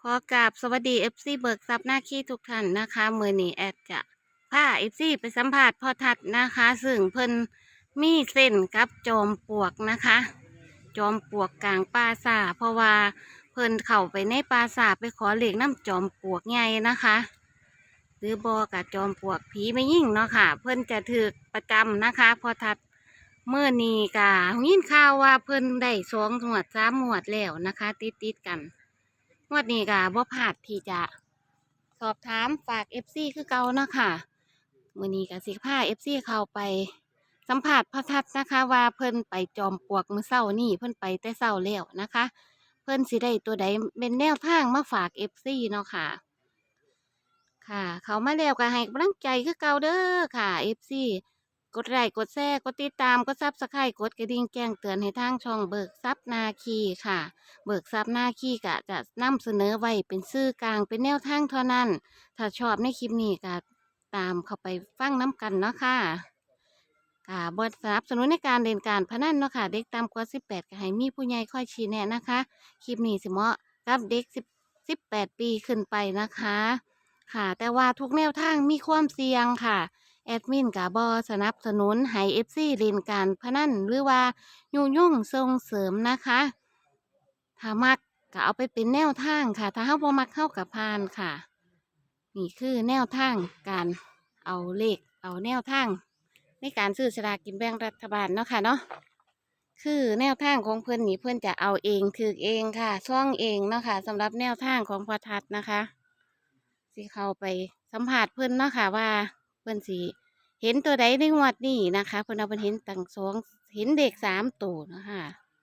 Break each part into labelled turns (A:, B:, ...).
A: ขอกราบสวัสดีเบิกทรัพย์หน้าขี้ทุกท่านนะคะมือนี้แอดจะพาไปสัมภาษณ์พ่อทัดนะคะ ซึ่งเพิ่นมีเส้นกับจอมปลวกนะคะ จอมปลวกกลางป่าสาเพราะว่าเพิ่นเข้าไปในป่าสาไปขอเลขน้ำจอมปลวกใหญ่นะคะ หรือบอกบจอมปลวกผีไม่ยิ่งเนาะค่ะ เพิ่นจะถือประจำนะคะพ่อทัดเมื่อนี้กะยินข่าวว่าเพิ่นได้2 งวด 3 งวดแล้วนะคะ ติดกัน งวดนี้ก็บ่พลาดที่จะสอบถามฝากคือเก่าเนาะค่ะมื้อนี้ก็สิพาเข้าไปสัมภาษณ์พระทัดนะคะว่าเพิ่นไปจอมปลวกมื้อเช้านี่เพิ่นไปแต่เช้าแล้วนะคะ เพิ่นสิได้ตัวใดเป็นแนวทางมาฝากเนาะค่ะค่ะ เขามาแล้วก็ให้กำลังใจคือเก่าเด้อค่ะกดไลค์กดแชร์กดติดตามกดSubscribe กดกระดิ่งแจ้งเตือนให้ทางช่องเบิกทรัพย์นาคีค่ะ เบิกทรัพย์หน้าขี้กะจะนำเสนอไว้เป็นสื่อกลางเป็นแนวทางเท่านั้น ถ้าชอบในคลิปนี้ก็ตามเข้าไปฟังน้ำกันเนาะค่ะบทสนับสนุนในการเล่นการพนันเนาะค่ะเด็กต่ำกว่า18ก็ให้มีผู้ใหญ่คอยชี้แนะนะคะ คลิปนี้สิเหมาะกับเด็ก18 ปีขึ้นไปนะคะ ค่ะแต่ว่าทุกแนวทางมีความเสี่ยงค่ะ แอดมินกับบสนับสนุนให้เล่นการพนันหรือว่ายุ่งส่งเสริมนะคะ ถ้ามักก็เอาไปเป็นแนวทางค่ะ ถ้าเฮาบ่มักเข้ากับพานค่ะ นี่คือแนวทางการเอาเลขเอาแนวทางในการซื้อสลากกินแบ่งรัฐบาลเนาะค่ะเนาะคือแนวทางของเพื่อนนี่เพื่อนจะเอาเองถือเองค่ะซ่องเองเนาะค่ะสำหรับแนวทางของพอทัดนะคะสิเข้าไปสัมผัสเพื่อนเนาะค่ะว่าเพื่อนสิเห็นตัวใดในงวดนี้นะคะเพื่อนเอาเพิ่นเห็นตั้งเห็นเด็ก3 ตัวเนาะค่ะ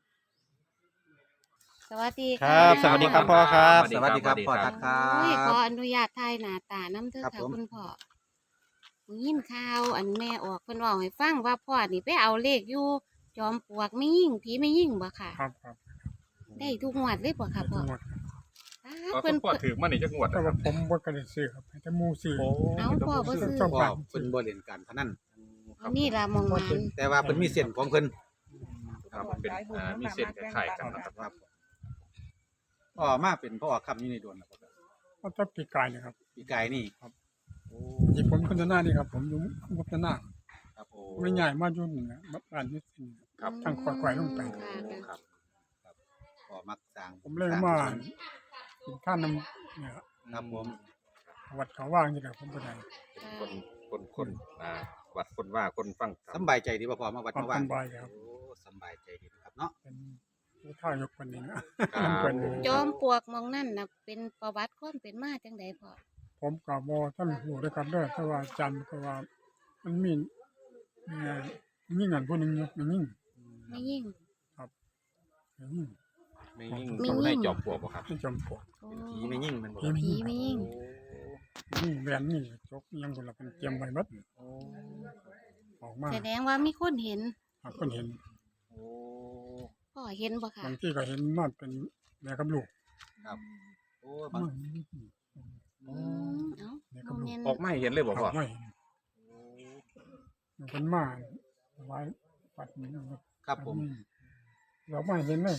A: สวัสดี
B: ค
A: ค่ะ
B: รับสวัสดีครับพ่อครับ
C: สวัสดีครับพ่อทัดครั
A: โอ้ยข
C: บ
A: ออนุญาตถ่ายหน้าตาน้ำเถอะ
C: ครับ
A: ค่ะ
C: ผม
A: คุณพ่อยินข่าวอันแม่ออกเพิ่นบอกให้ฟังว่าพ่อนี่ไปเอาเลขอยู่จอมปลวกไม่ยิ่งผีไม่ยิ่งบ่ค่ะ
B: ครับครับ
A: ได้ทุกงวดเลยบ่ค่ะพ่อ
B: หมด
A: อ้า
D: ก็
A: เพิ่น
D: พ่อถือมานี่จักงวด
B: แต่
D: นะค
B: ว่า
D: รับ
B: ผมบ่กระดิซื้อครับแต่หมูซื้อ
A: เอาพ่อบ่ซื้อ
B: ชอบ
C: พ่อ
B: ฟัง
C: เพิ่นบ่เล่นการพนัน
A: อันนี้ล่ะมองมัน
C: แต่ว่าเพิ่นมีเส้นของเพิ่น
D: ครับเป็นมีเส้นคล้ายๆกันนะครับ
C: ครับพ่อมาเป็นพ่อคำอยู่ในดวนนะครับ
B: ก็ต้องปีกายนะครับ
C: ปีกายนี่
B: ที่ผมคนหน้านี่ครับ ผมอยู่วัฒนา
C: ครับโอ้
B: ไม่ใหญ่มากยุ่นนะบ้านนี้สิ
D: ครับ
B: ทางควายลงไป
A: ค่ะค่ะ
C: ครับพ่อมักสร้าง
B: ผมเลยมากินข้าวน้ำเนี่ย
C: ครับผม
B: วัดเขาว่างนี่แหละผมไปได้
D: คนวัดคนว่าคนฟังธรร
C: ส
D: ม
C: บายใจดีบ่พ่อมาวัด
B: ความ
C: มาว่า
B: สบายครับ
C: โอ้สบายใจดีนะครับเนาะ
B: เป็นผู้ท่ายกคนนี้นะน้ำเพิ่น
A: จอมปลวกมองนั่นน่ะเป็นประวัติความเป็นมาจังไดพ่อ
B: ผมกับบท่านหูด้วยกันเด้อแต่ว่าจำก็ว่ามันมียิ่งอันผู้หนึงอยู่ยิ่ง
A: ไม่ยิ่ง
B: ยิ่ง
D: ไม่ยิ่ง
A: ไม่
D: ต้อง
A: ยิ่ง
D: ให้จอบปลวกบ่ครับ
B: ที่จอมปลวก
A: โอ้
C: ผีไม่ยิ่งมันบ่
B: ผี
A: ผีไม่ยิ่ง
B: นี่แหวนนี่จกยังคนละเป็นเตรียมไว้บัดออกมา
A: แสดงว่ามีคนเห็น
B: หากคนเห็น
D: โอ้
A: พ่อเห็นบ่ค่ะ
B: บางที่ก็เห็นนอนเป็นแม่กับลูก
C: ครับโอ้
B: น
C: บาง
B: อน
A: เอ้า
B: แม่
A: ม
B: กับ
A: อง
B: ลูก
A: เห็น
D: ออกมาให้เห็นเลยบ่พ่อ
B: ไม่เห็นมันเป็นมาไว้ปัดนี้นะครับ
C: ครับผม
B: เราไม่เห็นเลย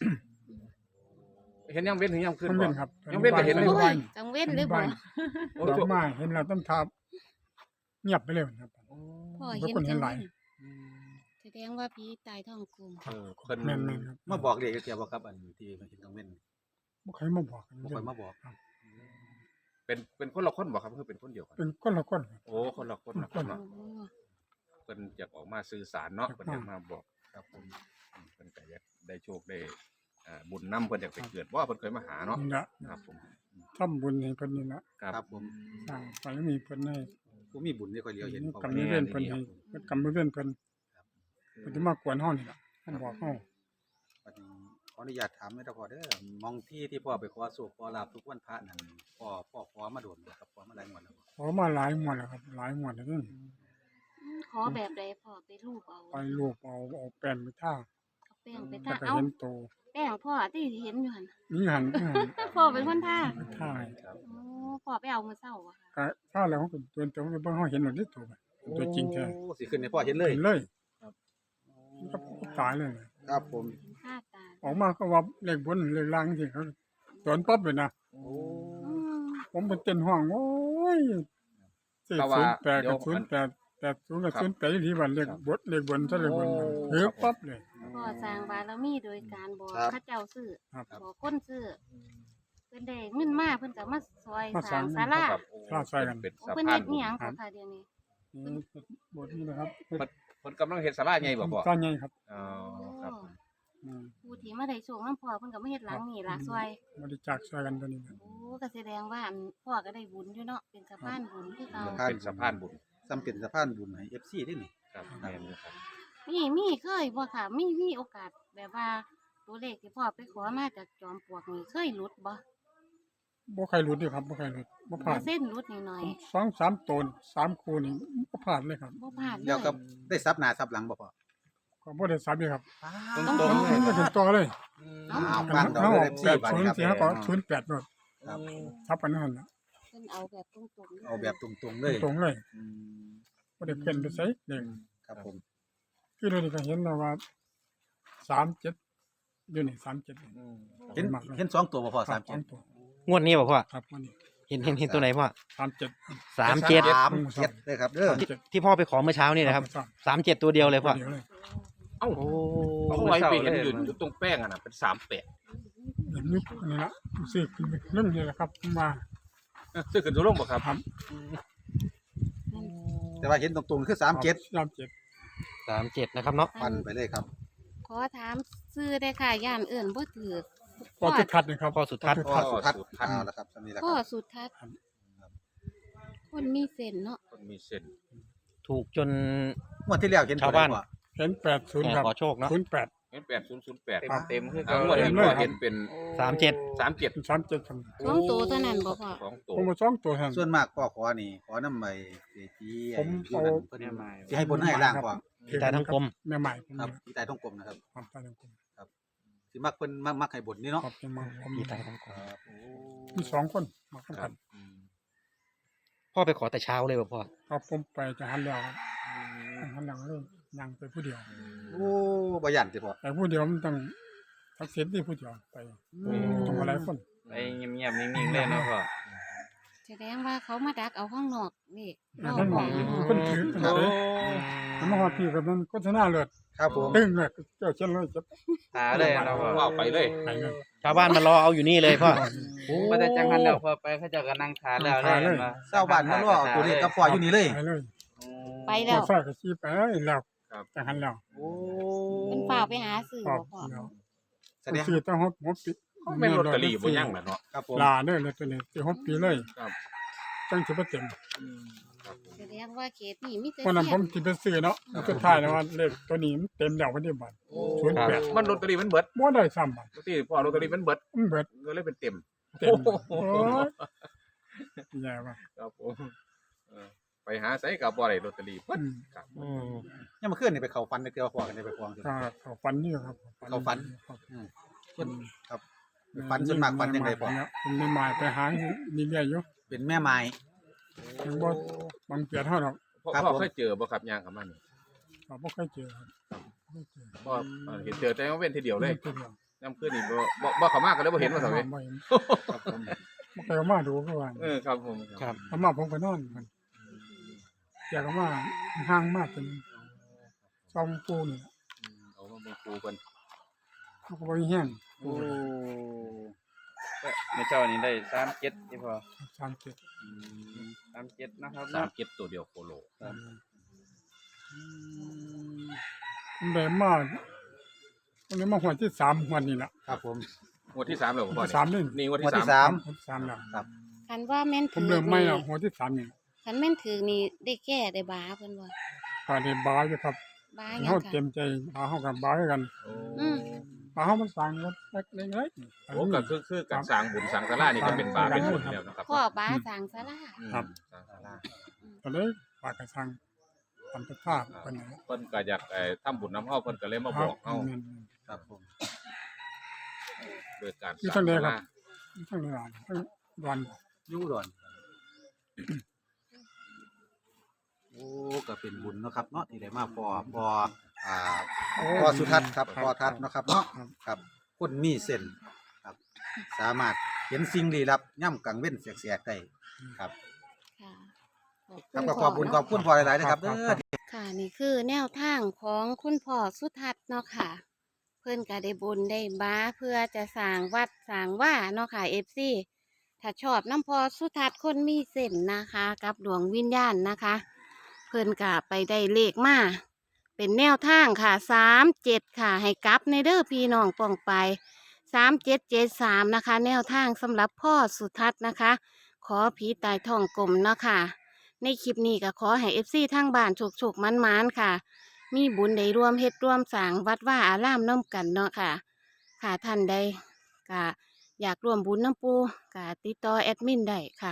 D: เห็นยังเว้นถึงยังขึ้น
B: มัน
D: บ่
B: เป็นครับ
D: ยังเว้นก็เห็นเลย
A: โอ้
D: บ่
A: ยกังเว้นเลยบ่
D: โอ้
B: เรา
D: โห
B: ไม่เห็นเราต้องทับเงียบไปเลยครับ
A: พ่อ
B: เป็น
A: เห็น
B: คนเห็
A: จั
B: น
A: ง
B: หลาย
A: แสดงว่าผีตายท้องกลม
D: เพิ่น
B: แม่นๆครับ
C: มาบอกเด็กเกี่ยวบ่ครับอันที่เห็นกลางเว้น
B: บ่เคยมาบอกกัน
C: บ่ค่อยมาบอก
B: ครับ
D: เป็นคนละคนบ่ครับคือเป็นคนเดียวกัน
B: เป็นคนละคนครับ
D: โอ้คนละคนนะครับเนาะ
A: โอ้
D: เพิ่นอยากออกมาสื่อสารเนาะเพิ่นอยากมาบอก
C: ครับผม
D: เพิ่นก็อยากได้โชคได้บุญนำเพิ่นอยากไปเกิดว่าเพิ่นเคยมาหาเนาะ
B: นี่ละ
D: ครับผม
B: ทำบุญให้เพิ่นนี่ละ
C: ครับผม
B: สร้างบารมีเพิ่นให้
C: ผู้มีบุญได้ค่อยเลียวเห็นพ่อก
B: ำมือเว้นเพิ่นให้เพิ่นกำมือเว้นเพิ่นเพิ่นสิมากวนเฮานี่ล่ะเพิ่นบอกเฮา
C: บัดนี้ขออนุญาตถามได้พ่อเด้อมองที่พ่อไปขอโชคขอลาภทุกวันพระนั่นพ่อขอมาโดนบ่ครับขอมาหลายงวดแล้วบ่
B: ขอมาหลายงวดแล้วครับหลายงวดแล้วนี่
A: ขอแบบใดพ่อไปรูปเอา
B: ไปลูกเอาแป้งไปท่า
A: เอาแป้งไป
B: แต่
A: ทา
B: ก็
A: เอา
B: เห็นโต
A: แป้งพ่อที่เห็นอยู่หั่น
B: นี่หัน
A: พ่อเป็นคนทา
B: ไปท่าให้
A: โอ้พ่อไปเอามื้อเช้าบ่ค่ะ
B: ก็ท่าแล้วเขาก็ตัวเบิ่งเฮาเห็นหมดเลยตัวไปตัวจริงแท้
C: โอ้สิขึ้นให้พ่อเห็นเลย
B: เห็นเลยก็ตายเลย
C: ครับผม
A: ทาตา
B: ออกมาก็ว่าเลขบนเลขล่างที่เขาสวนปั๊บเลยนะ
C: โอ้
B: ผมเป็นเต้นห้องโอ้ยสี่
D: แต่ว่า
B: 08
D: เดี๋
B: กั
D: ยว
B: บ08 80กับ
D: ครับ
B: 08ที่วันเลขบทเลขบนซะเลขบน
D: โอ้
B: เฮ้ยปั๊บเลย
A: พ่อสร้างบารมีโดยการบอก
C: ครับ
A: พระเจ้าซื้อ
B: ครับ
A: บอกคนซื้อเพิ่นได้เงินมาเพิ่นก็มาซอย
B: มา
A: สร้าง
B: สร้าง
A: ศาลา
D: ครับโอ้
B: ลาดใส่กัน
D: เป็น
A: โอ้
D: สะ
A: เพิ่น
D: พา
A: เฮ็
D: น
A: ดอีหยังบ่ค่ะเดี๋ยวนี้
B: นี่บทนี้นะครับ
D: เพิ่นกำลังเฮ็ดศาลาใหญ่บ่พ่อ
B: สร้างใหญ่ครับ
D: อ๋อครับ
B: อืม
A: ผู้ที่มาได้โชคนํพ่อเพิ่นก็มาเฮ็ดหลังนี่ล่ะซอย
B: บริจาคช่วยกันตัวนี้นะ
A: โอ้ก็แสดงว่าอันพ่อก็ได้บุญอยู่เนาะเป็นสะพานบุญคือเก่า
D: เป็นสะพานบุญ
C: ซ้ำเป็นสะพานบุญให้ FC ได้นี่
D: ครับแม่นอยู่ครับ
A: มีเคยบ่ค่ะมีโอกาสแบบว่าตัวเลขที่พ่อไปขอมาจากจอมปลวกนี่เคยหลุดบ่
B: บ่ใครหลุดเด้อครับบ่ใครหลุดบ่พลาด
A: เส้นหลุดนิดหน่อย
B: 2-3ตน3คู่นี่บ่พลาดเลยครับ
A: บ่พลาดเล
C: เดี๋ยวย ก็ได้ซับหน้าซับหลังบ่พอ
B: ก็บ่ได้ซับเลยครับ
A: ตรง
B: มันก็ถึงต่อเลย
A: เอ้า
C: เอาฟังเรา
B: เอา
C: เลย FC บัดนี้ครับ
B: 80เสียก็08โนด
C: ครับ
B: ซับกันนั่นน่ะ
A: เพิ่นเอาแบบตรงๆ
C: เอาแบบตรงๆเลย
B: ตรงเลย
C: อืม
B: บ่ได้เปลี่ยนไปไสเลย
C: ครับผม
B: คือเดี๋ยวนี้ก็เห็นแล้วว่า37อยู่นี่37นี่
C: เห็น
B: มากเลย
C: เห็นสองตัวบ่พอ
B: ครับ
C: 37
B: 2ตัว
E: งวดนี้บ่พ่อ
B: ครับวันนี้
E: เห็นตัวไหนพ่อ
B: 37
E: 37
C: 37เลยครับเด้อ
E: ที่พ่อไปขอเมื่อเช้านี่นะครับ37ตัวเดียวเลยพ่อ
B: เดียวเลย
D: เอ้า
E: โอ้
D: เอาไว้ไปเห็นอยู่ตรงแป้งอ่ะน่ะเป็น38
B: เห็นนี่อันนี้ละซื้อขึ้นไปเรื่องนี้แหละครับมา
D: ซื้อขึ้นสู่ลงบ่ครับ
B: ครับ
C: แต่ว่าเห็นตรงๆคือ37
E: 37นะครับเนาะ
C: ฟันไปเลยครับ
A: ขอถามซื้อได้ค่ะย่านเอื่นบ่ถือ
B: ก็ทุกทัดนะครับ
E: พ่อสุทัศน์
C: พ่อสุทัศน์เอาละครับตอนนี้ละค
A: พ่อ
C: รับ
A: สุทัศน์คนมีเส้นเนาะ
D: คนมีเส้น
E: ถูกจน
C: งวดที่แล้วเห็นตัว
E: ชาวบ้าน
C: ใดบ่
B: เห็น80ครับ
E: ขอโชคเนาะ
B: 08
D: เห็น8008
B: ครับ
F: เต็มคือ
D: ทั้
F: เก่าง
D: หมด
F: เล
D: เห็
F: ย
D: น
B: เลย
D: พ่อ
B: ครับ
D: เห็นเป็น
E: 37
D: 37
B: 37ครับ
A: สองตัวเท่านั้นบ่พ่อ
D: สองตัว
B: ผมมา2ตัวแทน
C: ส่วนมากพ่อขอนี่ขอนำไปที่
B: ผม
C: อยู่
B: เอา
C: นั่นเพิ่นสิให้บนให้ล่างพ่อ
E: ที่ใต้ทั้งกลม
B: แม่ใหม่ผม
C: ครับ
B: นี่
C: ที่ใต้ท้องกลมนะครับ
B: ครับใต้ทั้งกลม
C: สิมักเพิ่นมักให้บนนี่เนาะ
B: ครับยังมาผม
E: ที่ใต้ทั้งกลม
B: มี2คนมากัน
D: ครับ
E: พ่อไปขอแต่เช้าเลยบ่พ่อ
B: ครับผมไปจะหันแล้วครับหันหลังเลยยังไปผู้เดียว
C: โอ้บ่ย่านติพ่อ
B: ไปผู้เดียวมันต้องทักษิณที่ผู้เดียวไปต้องมาหลายคน
F: ไปเงียบๆนิ่งๆเลยเนาะพ่อ
A: แสดงว่าเขามาดักเอาข้างนอกนี่รอบ
B: นั่น
A: ข
B: ม
A: อ
B: อง
A: ง
B: คนถือขนาดนี้มันมาฮอดพี่กับมันโฆษณาเลือด
C: ครับผม
B: ตึ้งเลยเจ้าเช่นเลยจะ
F: ตาเลยเนาะพ่อ
D: ว่าไปเลย
B: ไปเลย
E: ชาวบ้านมารอเอาอยู่นี่เลยพ่อ
F: บ่ได้จังหันแล้วพอไปเขาเจ้าก็นั่งทานแล้วเลยเห็นบ่
C: ชาวบ้านมารอเอาตัวเลขกับพ่ออยู่นี่เลย
B: ไปเลย
A: ไปแล้ว
B: ใส่ก็ชี้ไปแล้วจะหันแล้ว
C: โอ้
A: เป็นฝ่ากไปหาซื้อ
B: ครั
A: บ่
B: บ
A: พ่อ
B: แล้ว
C: แสดง
B: ซื้อต้องฮบปี
D: แม่นลอตเตอรี่บ่ยังน่ะเนาะ
C: ครับผม
B: ลาเด้อเลยตัวนี้สิฮบปีเลย
D: ครับ
B: จังสิบ่เต็ม
A: แสดงว่าเขตนี่มีแต่
B: เพราะนั้นผ
A: เสี้ย
B: ม
A: น
B: สิไปซื้อเนาะสุดท้ายแล้วว่าเลขตัวนี้มันเต็มแล้ววันนี้บัด08
D: มันลอตเตอรี่มันเบิด
B: บ่ได้ซ้ำบัด
D: ปกติพ่อลอตเตอรี่มันเบิด
B: มันเบิด
D: ก็เลยเป็นเต็ม
B: เต็มโอ้ยแย่ว่ะ
D: ครับผมไปหาไสกับบ่ได้ลอตเตอรี่เบิด
B: อืม
D: ครับ
E: อืม
C: ยังมาขึ้นนี่ไปเข้าฟันเดียวพ่อกันได้ไปควง
B: ก็เขาฟันนี่ครับ
C: เขาฟัน
B: ครับ
C: ส่วนครับฟันส่วนมากฟันยังไงพ่อ
B: เป็นไม่หมายไปหานี่เรื่อยอยู่
C: เป็นแม่ไม้
B: ยังบ่บางเปียเท่าดอก
C: ครับ
D: พ่อ
C: ผม
D: เคยเจอบ่ครับย่างกับมันนี่
B: ก็บ่เคยเจอครับบ่เคยเจอ
D: พ่อเห็นเจอแต่ว่าเว้นทีเดียวเลย
B: ทีเดียว
D: น้ำขึ้นนี่บ่เข้ามาก็เลยบ่เห็นว่าซั่นเว้ย
B: บ่เห็นครับผมบ่เคยเอามาดูคือว่า
D: ครับผม
E: ครับ
B: เอามาผมก็นอนมันอยากเอามาห่างมากเป็นช่องปูนี่
D: เอามาเป็นครูเพิ่น
B: มันก็บ่มีแห้ง
F: โอ้ในเช้านี้ได้37ที่พ่อ
B: 37
F: 37นะครับ
D: สาม
F: เนาะ
D: เก็บตัวเดียวโคโล
B: มันได้มามันได้มาหัวที่3หัวนี่ล่ะ
C: ครับผม
D: งวดที่3แล้วพ่อ
B: ที่3นี่
D: นี่งวด
C: งวดที่
D: ที่
C: สาม
B: หัวที่3แล้ว
A: คันว่าแม่น
B: ผ
A: ถื
B: ม
A: อ
B: เริ่มไม่
A: นี่
B: แล้วหัวที่3นี่
A: คันแม่นถือนี่ได้แก้ได้บาเพิ่นว่า
B: ก็ได้บาอยู่ครับ
A: บาหยั
B: เฮาง เต็
A: ค่ะ
B: มใจบาเฮากันบาคือกัน
A: อืม
B: บาเฮามันสร้างกันเล็กๆ
D: โอ้ก็คือการสร้างบุญสร้างศาลานี่ก็เป็นบาปเป็นบุญแล้วนะครับ
A: พ่อบาสร้างศาลา
D: สร้างศาลา
B: ก็เลยปากกระสังทำประภาพเป็นไง
D: เพิ่นก็อยากทำบุญนำเฮาเพิ่นก็เลยมาบอกเฮา
C: ครับผม
D: โดยการ
B: ที่
D: สร้า
B: ทั้
D: ง
B: งเลย
D: ศา
B: ครั
D: ลา
B: บทั้งเลยทั้งวัน
C: ยู่ดอนโอ้ก็เป็นบุญเนาะครับเนาะที่ได้มาพอพอสุทัศน์ครับพอทัศน์เนาะครับเนาะครับคนมีเส้นครับ สามารถเห็นสิ่งลี้ลับย่ำกลางเว้นแสกๆได้ครับ
A: ค่ะ
C: ครับก็ขอบคุณพ่อหลายๆนะครับเด้อ
A: ค่ะนี่คือแนวทางของคุณพ่อสุทัศน์เนาะค่ะ เพิ่นก็ได้บุญได้บ้าเพื่อจะสร้างวัดสร้างว่าเนาะค่ะ FC ถ้าชอบน้ำพอสุทัศน์คนมีเส้นนะคะ กับดวงวิญญาณนะคะ เพิ่นก็ไปได้เลขมาเป็นแนวทางค่ะ37ค่ะ ให้กลับในเด้อพี่น้องป้องไป3773นะคะ แนวทางสำหรับพ่อสุทัศน์นะคะ ขอผีตายท้องกลมเนาะค่ะ ในคลิปนี้ก็ขอให้ FC ทางบ้านโชคๆมันๆค่ะ มีบุญได้ร่วมเฮ็ดร่วมสร้างวัดว่าอารามน้ำกันเนาะค่ะ ค่ะท่านใดก็อยากร่วมบุญน้ำปูก็ติดต่อแอดมินได้ค่ะ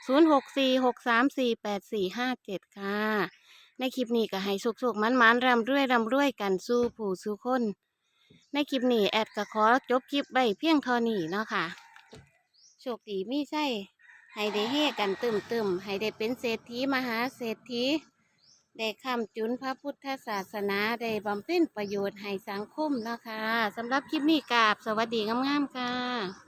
A: 0646348457 ค่ะ ในคลิปนี้ก็ให้สุกๆมันๆร่ำรวยกันสู้ผู้สู้คน ในคลิปนี้แอดก็ขอจบคลิปไว้เพียงเท่านี้เนาะค่ะ โชคดีมีไส้ให้ได้เฮกันตึมๆให้ได้เป็นเศรษฐีมหาเศรษฐี ได้คำจุนพระพุทธศาสนาได้บำเพ็ญประโยชน์ให้สังคมนะคะสำหรับคลิปนี้กราบสวัสดีงามๆค่ะ